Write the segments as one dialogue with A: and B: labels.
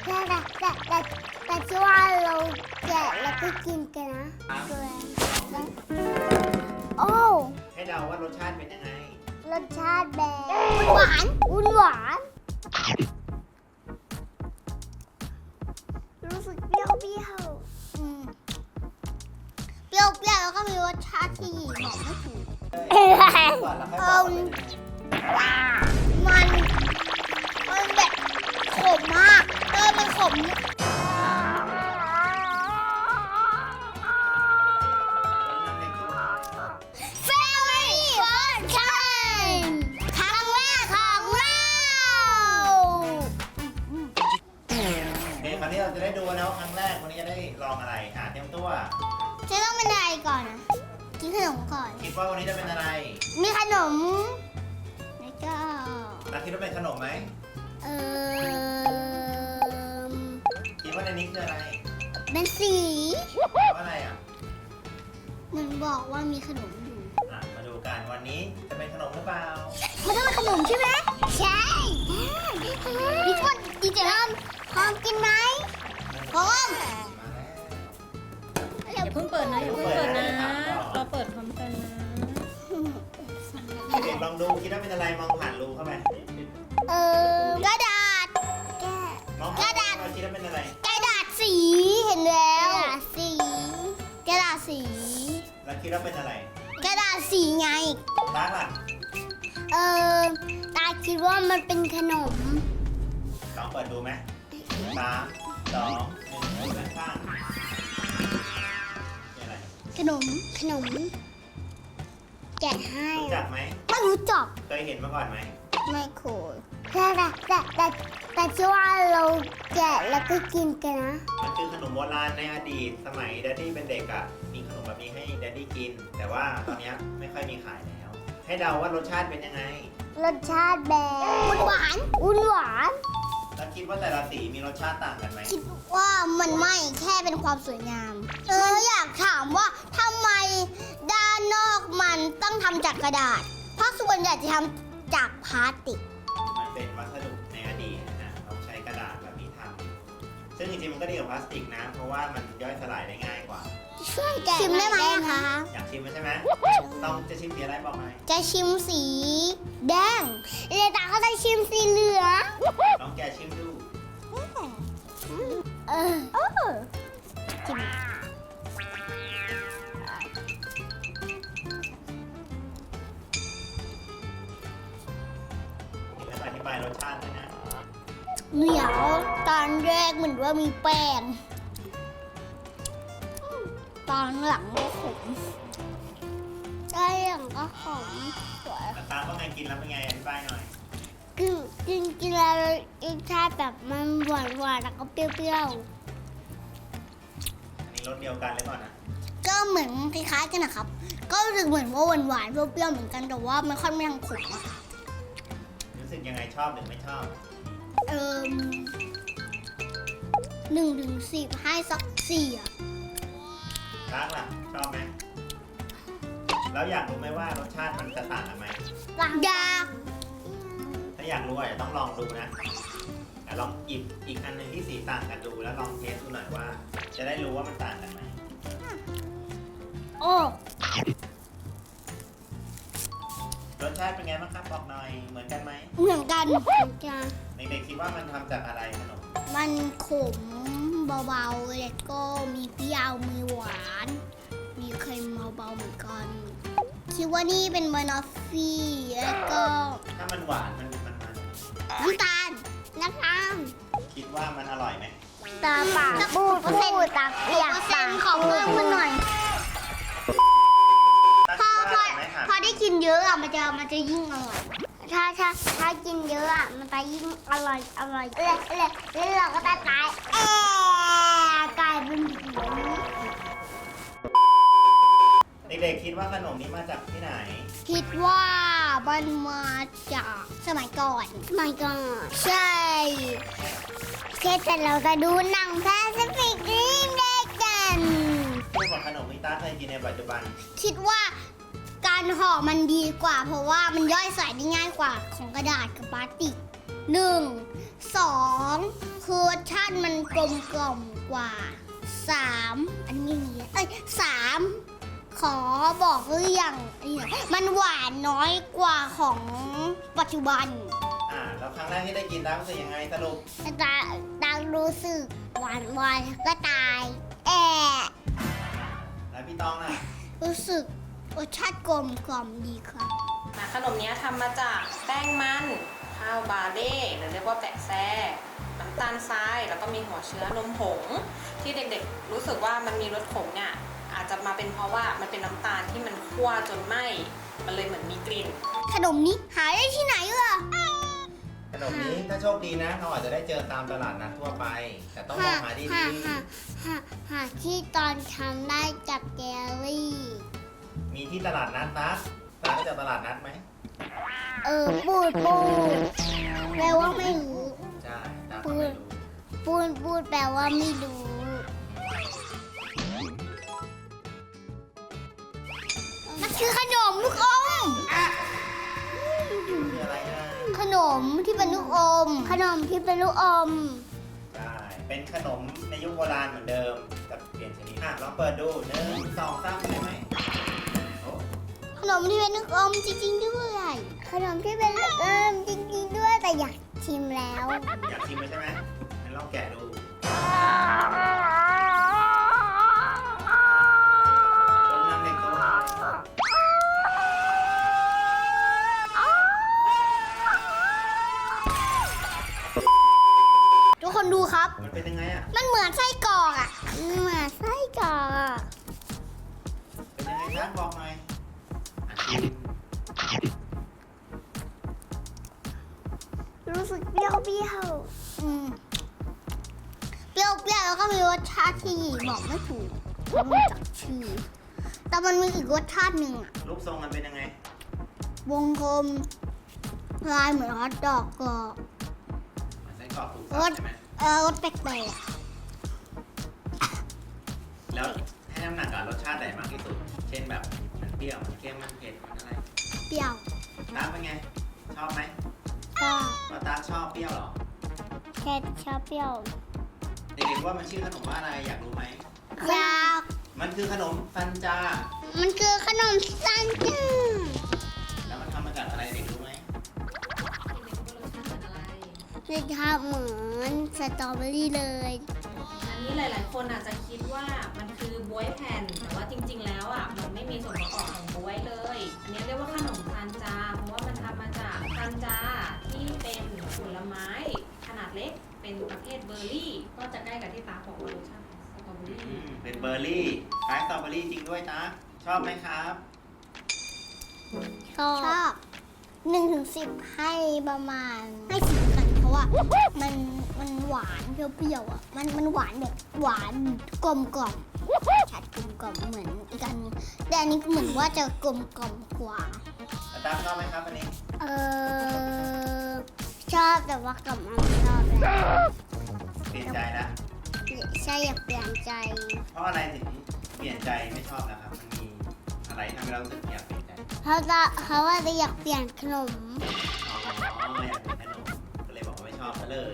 A: แต่ที่ว่าเราแกะแล้วก็กินกันนะโอ้
B: ให้เดาว่ารสชาติเป็นยังไง
A: รสชาติแบบหวานรู้สึกเปรี้ยวแล้วก็มีรสชาติที่บอกไม่ถูก
B: ก่อนแล้วค่อยบอกว่าเป็นยังไง
A: มันแบบขมมากมันขม
B: คราวนี้เราจะได้ดูนะว่าครั้งแรกวันนี้จะได้ลองอะไรเตรียมตัว
A: จะต้องเป็นอะไรก่อนนะกินขนมก่อน
B: คิดว่าวันนี้จะเป็นอะไร
A: มีขนมแล้วก็
B: คิดว่าเป็นขนมไหมคิดว่าในนี้คืออะไร
A: เป็นสี
B: ว่าอะไร
A: มันบอกว่ามีขนมอยู่
B: มาดูกันวันนี้จะเป็นขนมหรือเปล่า
A: มันต้องเป็นขนมใช่ไหมใช่พี่คนดีเจริญพร้อมกินไหมพร้อม
C: อย่าเพิ่งเปิดนะเราเปิดพร้อมกันนะ
B: เด็กลองดูคิดว่าเป็นอะไรมองผ่านรูเข้าไป
A: กระดาษ
B: กระดาษคิดว่าเป็นอะไร
A: กระดาษสีเห็นแล้วกระดาษสี
B: แล้วคิดว่าเป็นอะไร
A: กระดาษสีไง
B: ตาล่ะ
A: ตาคิดว่ามันเป็นขนม
B: ลองเปิดดูไหม3 2 1ด้านข้างนี่อะไร
A: ขนมแกะให้
B: รู้จักไหม
A: ไม่รู้จัก
B: เคยเห็นมาก่อนไหม
A: ไม่เคยแต่ที่ว่าเราแกะแล้วก็กินกันนะ
B: มันคือขนมโบราณในอดีตสมัยแดดดี้เป็นเด็กมีขนมแบบนี้ให้แดดดี้กินแต่ว่าตอนนี้ไม่ค่อยมีขายแล้วให้เดาว่ารสชาติเป็นยังไง
A: รสชาติแบบหวาน
B: แล้วคิดว่าแต่ละสีมีรสชาติต่างกันไหม
A: คิดว่ามันไม่แค่เป็นความสวยงามอยากถามว่าทำไมด้านนอกมันต้องทำจากกระดาษเพราะส่วนใหญ่จะทำจากพลาสติก
B: มันเป็นวัสดุในอดีตเราใช้กระดาษแบบนี้ทำซึ่งจริงๆมันก็ดีกว่าพลาสติกนะเพราะว่ามันย่อยสลายได้ง่ายกว่า
A: ชิมได้ไหมคะ
B: อยากชิมใช่ไหมจะชิมสีอะไรบอกหน่อย
A: จะชิมสีแดงเรตาก็จะชิมสีเหลือง
B: ลองแกชิมดู
A: ชิม
B: อธิบายรสชาติเลยนะ
A: เหนียวตอนแรกเหมือนว่ามีแป้งตอนหลังก็ขมใช่หลังก็ขมสวย
B: ตาต้องไงกินแล้วเป็นไงอธิบายหน่อย
A: กินแล้วรสชาติแบบมันหวานแล้วก็เปรี้ยว
B: อันนี้รสเดียวกันหรือเปล่านะ
A: ก็เหมือนคล้ายๆกันนะครับก็รู้สึกเหมือนว่าหวานเปรี้ยวเหมือนกันแต่ว่ามันค่อนข้างขม
B: รู้สึกยังไงชอบหรือไม่ชอบ
A: 1 ถึง 10ให้สัก4
B: รักล่ะชอบไหมแล้วอยากรู้ไหมว่ารสชาติมันจะต่างกันไหม
A: อยาก
B: ถ้าอยากรู้จะต้องลองดูนะลองหยิบอีกอันหนึ่งที่สีต่างกันดูแล้วลองเทสดูหน่อยว่าจะได้รู้ว่ามันต่างกันไหม
A: โอ้
B: รสชาติเป็นไงบ้างครับบอกหน่อยเหมือนกันไหม
A: เหมือนกัน
B: เด็กๆคิดว่ามันทำจากอะไรขนม
A: มันขมเบาๆแล้วก็มีเปรี้ยวมีหวานมีเค็มเบาๆเหมือนกันคิดว่านี่เป็นบานอฟฟี่แล้วก็
B: ถ้ามันหวานมัน
A: น้ำตาล
B: คิดว่ามันอร่อยไหม
A: ตาปากพูดตาเปียกปากขอเพิ่มขึ้นหน่อยพอได้กินเยอะมันจะยิ่งอร่อยถ้ากินเยอะมันจะยิ่งอร่อยแล้วเราก็จะกลายเป็น
B: เด็กๆคิดว่าขนมนี้มาจากที่ไหน
A: คิดว่ามันมาจากสมัยก่อนใช่แต่เราจะดูหนังแปซิฟิกริมเด็กกัน
B: ชื่อของขนมที่ตาเคยกินในปัจจุบัน
A: คิดว่าการห่อมันดีกว่าเพราะว่ามันย่อยสลายได้ง่ายกว่าของกระดาษกับพลาสติก1 2 คือรสชาติมันกลมกล่อมกว่า3อันนี้มี3ขอบอกหรือยังมันหวานน้อยกว่าของปัจจุบัน
B: แล้วครั้งแรกที่ได้กินดังรู้สึกยังไงสรุป
A: ดังรู้สึกหวานก็ตาย
B: แล้วพี่ตองล่ะ
A: รู้สึกรสชาติกลมกล่อมดีครับ
C: ขนมนี้ทำมาจากแป้งมันข้าวบาเล่หรือเรียกว่าแปะแซ่น้ำตาลทรายแล้วก็มีหัวเชื้อนมผงที่เด็กๆรู้สึกว่ามันมีรสขมเนี่ยอาจจะมาเป็นเพราะว่ามันเป็นน้ำตาลที่มันคั่วจนไหม้มันเลยเหมือนมีกลิ่น
A: ขนมนี้หาได้ที่ไหนเหรอ
B: ขนมนี้ถ้าโชคดีนะเราอาจจะได้เจอตามตลาดนัดทั่วไป แต่ต้องมองหาดี
A: หาที่ตอนทำได้จากแกลลี่
B: ๆมีที่ตลาดนัดนะร้านจากตลาดนัดไหม
A: ปูดแปลว่าไม่รู้
B: ใช่ตามก็ไม่รู้
A: ปูดแปลว่าไม่รู้มันคือขนมลูกอม
B: คืออะไรนะ
A: ขนมที่เป็นลูกอม ขนมที่เป็นลูกอม
B: ใช่เป็นขนมในยุคโบราณเหมือนเดิมแต่เปลี่ยนชนิดลองเปิดดู1 2 3ใช่ไหมโอ้
A: ขนมที่เป็นลูกอมจริงๆด้วยขนมที่เป็นลูกอมจริงๆด้วยแต่อยากชิมแล้ว
B: อยากชิมไหมใช่ไหมงั้นลองแกะดูต้มน้ำเด็กตัว
A: ทุกคนดูครับ
B: มันเป็นยังไงอ่ะ
A: มันเหมือนไส้กรอกอ่ะเหมือนไส้กรอกอะ
B: เป็นยังไงครับบอกหน่อยชิม
A: รู้สึกเปรี้ยวเปรี้ยวแล้วก็มีรสชาติที่บอกไม่ถูกเพราะมันจากชื่อแต่มันมีอีกรสชาติหนึ่งอ่ะ
B: รูปทรงมันเป็นยังไง
A: วงกลมลายเหมือนฮอทดอกก็
B: มันไส้กรอกถูกสับใช่ไหม
A: รสแปลก
B: แล้วให้น้ำหนักกับรสชาติไหนมากที่สุด เช่นแบบมันเปรี้ยวมันเค็มมันเผ็ดมันอะไร
A: ๆเปรี้ยว
B: ตาเป็นไง ชอบไหม
A: ก็
B: ว่าตาชอบเปรี้ยวเหรอ
A: แค่ชอบเปรี้ยว
B: เด็กๆว่ามันชื่อขนมว่าอะไรอยากรู้ไหม
A: อยาก
B: มันคือขนมซันจา
A: มันคือขนมซันจ้า
B: แล้วมันทำมาจากอะไรเด็กรู้ไหม
A: จะทำเหมือนสตรอเบอรี่เลย
C: อันนี้หลายๆคนอาจจะคิดว่ามันคือบ๊วยแผ่นแต่ว่าจริงๆแล้วอ่ะมันไม่มีส่วนประกอบของบ๊วยเลย อันนี้เรียกว่าขนมซันจาเพราะว่ามันทำมาจากซันจาที่เป็นผลไม้ขนาดเล็กเป็นประเภทเบอร์รี่ก็จะใกล้กับที่ตาบอกว่ารสชาติสตรอเบอรี่
B: เป็นเบอร์รี่คล้ายสตรอเบอรี่จริงด้วยตาชอบไหมครับ
A: ชอบ1-10ให้ประมาณให้10กันเพราะว่ามันหวานเปรี้ยวๆอ่ะมันหวานแบบหวานกลมกล่อมชัดกลมกล่อมเหมือนอีกอันนึงแต่อันนี้เหมือนว่าจะกลมกล่อมกว่า
B: ตาชอบไหมครับอันนี้
A: ชอบแต่ว่ากับมันไม่ชอบแล้ว
B: เปลี่ยนใจนะ
A: ใช่อยากเปลี่ยนใจ
B: เพราะอะไรถึงเปลี่ยนใจไม่ชอบนะครับ มันมีอะไรทำให้เรารู้สึกอยากเปลี่ยนใจ
A: เขาว่าจะอยากเปลี่ยนขนม
B: อ๋ออยากเป็นขนมก็เลยบอกว่าไม่ชอบซะเลย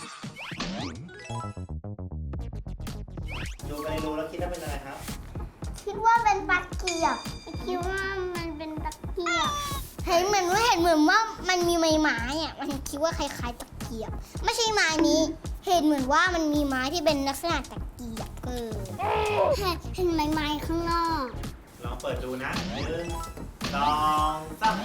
B: ดูไปดูแล้วคิดว่าเป็นอะไรครับ
A: คิดว่าเป็นตะเกียบคิดว่ามันเป็นตะเกียบเห็นเหมือนว่ามันมีไม้อ่ะมันคิดว่าคล้ายๆตะเกียบ ไม่ใช่ไม้นี้เห็นเหมือนว่ามันมีไม้ที่เป็นลักษณะตะเกียบเห็นไม้ข้างนอก
B: ลองเปิดดูนะ1 2 3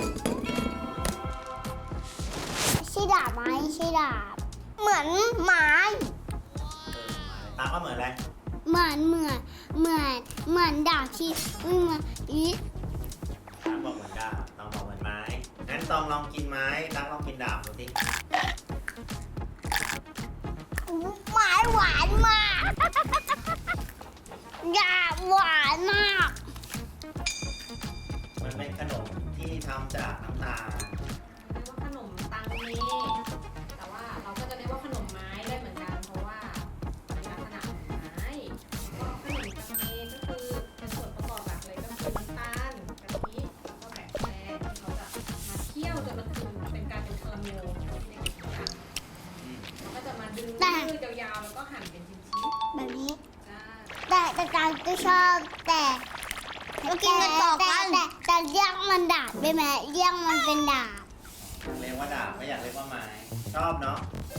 A: ใช่ดาบไหมใช่ดาบเหมือนไม้
B: ตามว่าเหมือนอะไร
A: เหมือนดาบที่เหมือนอี
B: ตามบอกเหมือนดาบตองบอกเหมือนไม้งั้นตองลองกินไม้ตามลองกินดาบดูสิ
A: ไม้หวานมากดาบหวานมาก
B: มันเป็นขนมที่ทำจากน้ำตาล
C: เรียกว่าขนมตังเมแต่ว่าเราก็จะเรียกว่าขนมไม้ได้เหมือนกันเพราะว่ามีลักษณะของไม้ก็ขนมตังเมก็คือเป็นส่วนประกอบหลักเลยก็คือน้ำตาลกะทิแล้วก็แป้งที่เขาจะมาเคี่ยวจนมันเป็นการเป็นคาราเมลที่เด็กๆทำกันแล้วก็จะมาดึงหั่นเป็นชิ้น
A: แบบนี้
C: ๆจ้า
A: แต่การก็ชอบแต่เรากินกันต่อกันแต่เรียกมันดาบได้ไหมเรียกมันเป็นดาบ
B: อยากเรียกว่าดาบไม่อยากเรียกว่าไม้ชอบเนาะ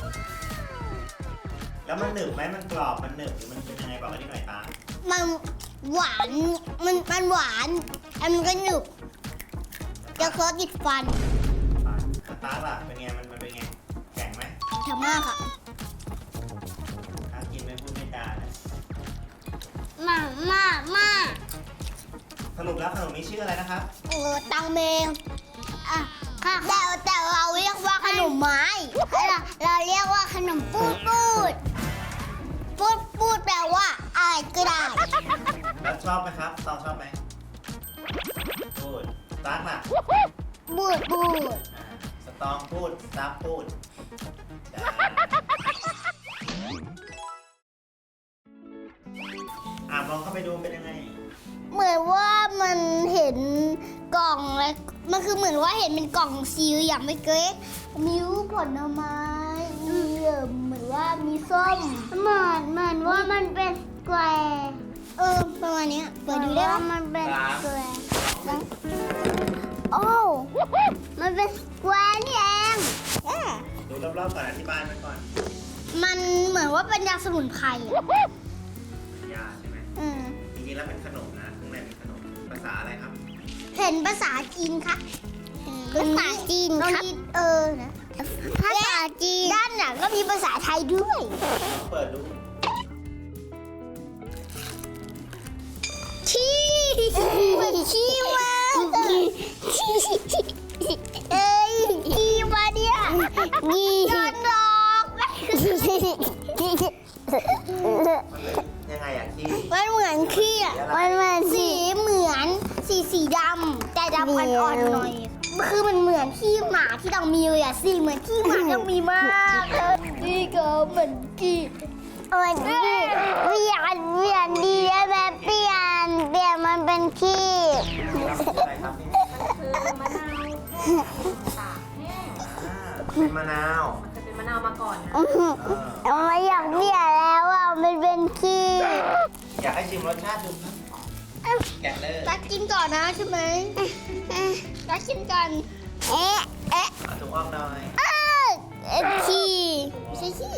B: แล้วมันหนึบไหมมันกรอบมันหนึบหรือมันเป็นยังไงบอกกันนิดหน่อยตา
A: มันหวานมันหวานแล้วมันก็หนึบจะเคาะติดฟัน
B: ตาล่ะเป็นไงมันเป็นไงแข็งไหม
A: แข็งมากอะ
B: ถ้ากินไม่พูดไม่จานะ
A: มาก
B: สรุปแล้วขนมนี้ชื่ออะไรนะครับ
A: ตังเมงอ่ะแต่เราเรียกว่าขนมไม้เราเรียกว่าขนมปูดแปลว่าอะไรก็ได้
B: แล้วชอบไหมครับตองชอบไหมพูดตากล่ะ
A: บูด
B: สตองพูดซับพูดจ้ามองเข้าไปดูเป็นยังไง
A: เหมือนว่ามันเห็นกล่องเลยมันคือเหมือนว่าเห็นเป็นกล่องซีลอย่างไม่เก๊กมีรูปผลไม้มีเหมือนว่ามีส้มเหมือนว่ามันเป็นแกวประมาณนี้เปิดดูได้ว่ามันเป็นแกวโอ้มันเป็นแกวนี่เอง
B: ดูรอบๆก่อนอธิบายไปก่อน
A: มันเหมือนว่าเป็นยาสมุนไพรอะ
B: ยาใช่ไหมจริงๆแล้วเป็นขนมนะข้างในเป็นขนมภาษาอะไรครับ
A: เห็นภาษาจีนค่ะภาษาจีนครับนะภาษาจีนด้านหลังก็มีภาษาไทยด้วย
B: เปิดดู
A: ขี้เหมือนขี้มากขี้มาเนี่ยโดนดอก
B: ยังไงอะขี้
A: มันเหมือนขี้อ่ะมันเหมือนสีดำแต่ดำอ่อนๆหน่อยคือมันเหมือนขี้หมาที่ต้องมีเลยอ่ะสีเหมือนขี้หมาต้องมีมากนี่ก็เหมือนขี้เปลี่ยนดีแบบเปลี่ยนมันเป็นขี้
B: อะไรครับนี่
C: คือมะนาวตากแห้ง
B: เป็นมะนาว
C: มันเคยเป็นมะนาวมาก่อนนะ
A: ไม่อยากเปลี่ยนแล้วอ่ะมันเป็นขี้
B: อยากให้ชิมรสชาติดูครับแกะเลย
A: รักกินก่อนนะใช่ไหมรักกินก่อน
B: เอาถุงออกหน่อย
A: ขี้ไม่ใช่ขี้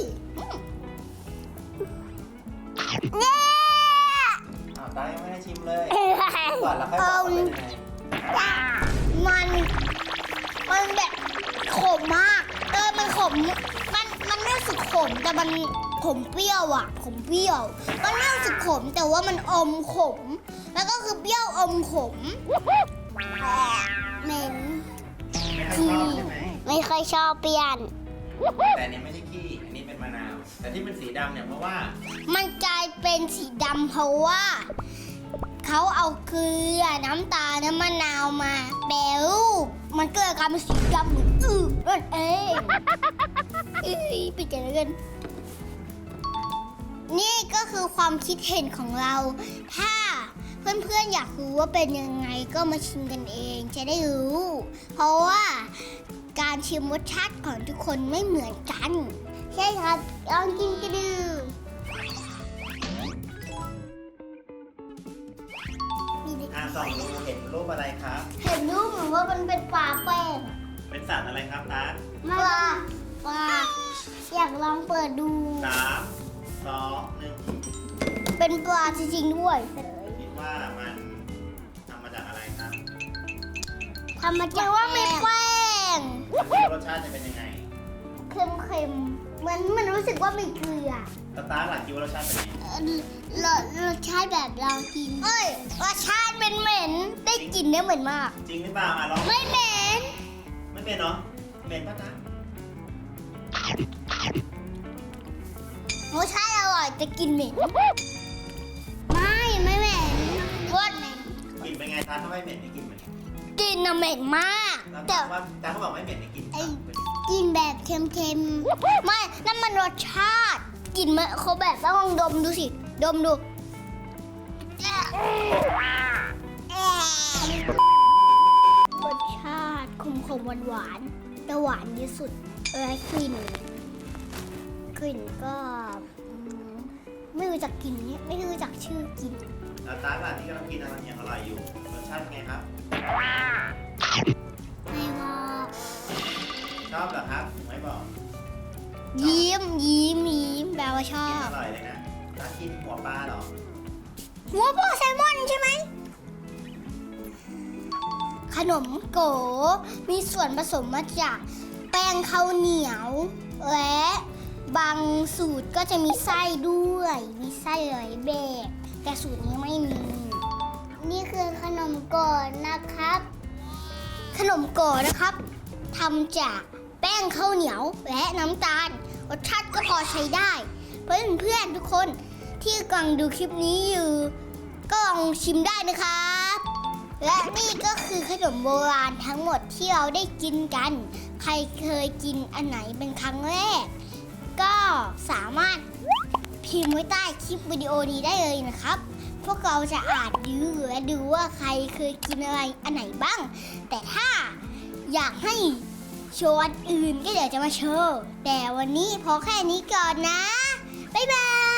A: เนี่ย
B: ตายังไม่ได้ชิมเลยก่อนแล้วค่อยบอกว่าเป็นยังไง
A: มันแบบขมมากมันขมมันไม่รู้สึกขมแต่มันขมเปรี้ยวอ่ะขมเปรี้ยวมันไม่รู้สึกขมแต่ว่ามันอมขม แล้วก็คือเปรี้ยวอมขมเหม็น
B: ไม่ค่อยชอบใช่ไหม
A: ไม่ค่อยชอบเปลี่ยน
B: แต่อันนี้ไม่ใช่ขี้ อันนี้เป็นมะนาว แต่ที่เป็นสีดำเนี่ยเพราะว่า
A: มันกลายเป็นสีดำเพราะว่าเขาเอาเกลือน้ำตาลน้ำมะนาวมาแปรรูปมันก็เลยกลายเป็นสีดำเหมือนนั่นเองปิดใจแล้วกันนี่ก็คือความคิดเห็นของเรา ถ้าเพื่อนๆอยากรู้ว่าเป็นยังไงก็มาชิมกันเองจะได้รู้ เพราะว่าการชิมรสชาติของทุกคนไม่เหมือนกันใช่ครับลองกินกันดู
B: ส่องดูเห็นรูปอะไรครับ
A: เห็นรูปเหมือนว่ามันเป็นปลาแป้ง
B: เป็นสัตว์อะไรครับตา
A: ปลาอยากลองเปิดดู
B: 3 2 1
A: เป็นปลาจริงๆด้วย
B: คิดว่ามันทำมาจากอะไรครับ
A: ทำมาจากว่าไม่แป้ง
B: รสชาติจะเป็นยังไง
A: เค็มๆเหมือนมันรู้สึกว่ามีเกลือ
B: ตาหลังคิดว่ารสชาติเป็นยังไง
A: รสชาติแบบเรากินรสชาติเป็นเหม็นได้กลิ่นได้เหม็นมาก
B: จริงหรือเปล่าลอง
A: ไม่เหม็น
B: ไม่เป็นเนาะเหม็นปะตาร
A: สชาติอร่อยแต่กลิ่นเหม็นไม่เหม็นโคตรเหม็น
B: กลิ่นเป็นไงตาถ้าไม่เหม็นไม่กลิ่นเหม็น
A: กลิ่นน่ะเหม็นมาก
B: แล้ว
A: แต่
B: ตาเขาบอกไม่เหม็นในกลิ่น
A: กินแบบเค็มๆ ไม่ นั่นมันรสชาติ กินมันเขาแบบต้องลองดมดูสิ ดมดู รสชาติขมๆหวานๆแต่หวานที่สุดและกลิ่นก็รู้จักกินเนี่ยไม่รู้จักชื่อกิน
B: แล้วตาล่ะที่กำลังกินอะไรยังอร่อยอยู่รสชาติเป็นไงครับ
A: ไม่บอก
B: ชอบเหรอครับไม่บอก
A: ยิ้มแปลว่าชอ
B: กิน
A: บ
B: อร่อยเลยนะตากินหัวปลาเหรอ
A: หัวโปแซลมอนใช่ไหมขนมโกมีส่วนผสมมาจากแป้งข้าวเหนียว และบางสูตรก็จะมีไส้ด้วยมีไส้หลายแบบแต่สูตรนี้ไม่มี นี่คือขนมโกนะครับ ขนมโกนะครับทำจากแป้งข้าวเหนียวและน้ำตาลรสชาติก็พอใช้ได้ เพื่อนๆทุกคนที่กำลังดูคลิปนี้อยู่ก็ลองชิมได้นะครับ และนี่ก็คือขนมโบราณทั้งหมดที่เราได้กินกัน ใครเคยกินอันไหนเป็นครั้งแรก ก็สามารถพิมพ์ไว้ใต้คลิปวิดีโอนี้ได้เลยนะครับ พวกเราจะอ่านดูและดูว่าใครเคยกินอะไรอันไหนบ้าง แต่ถ้าอยากให้โชว์อันอื่นก็เดี๋ยวจะมาโชว์ แต่วันนี้พอแค่นี้ก่อนนะ บ๊ายบาย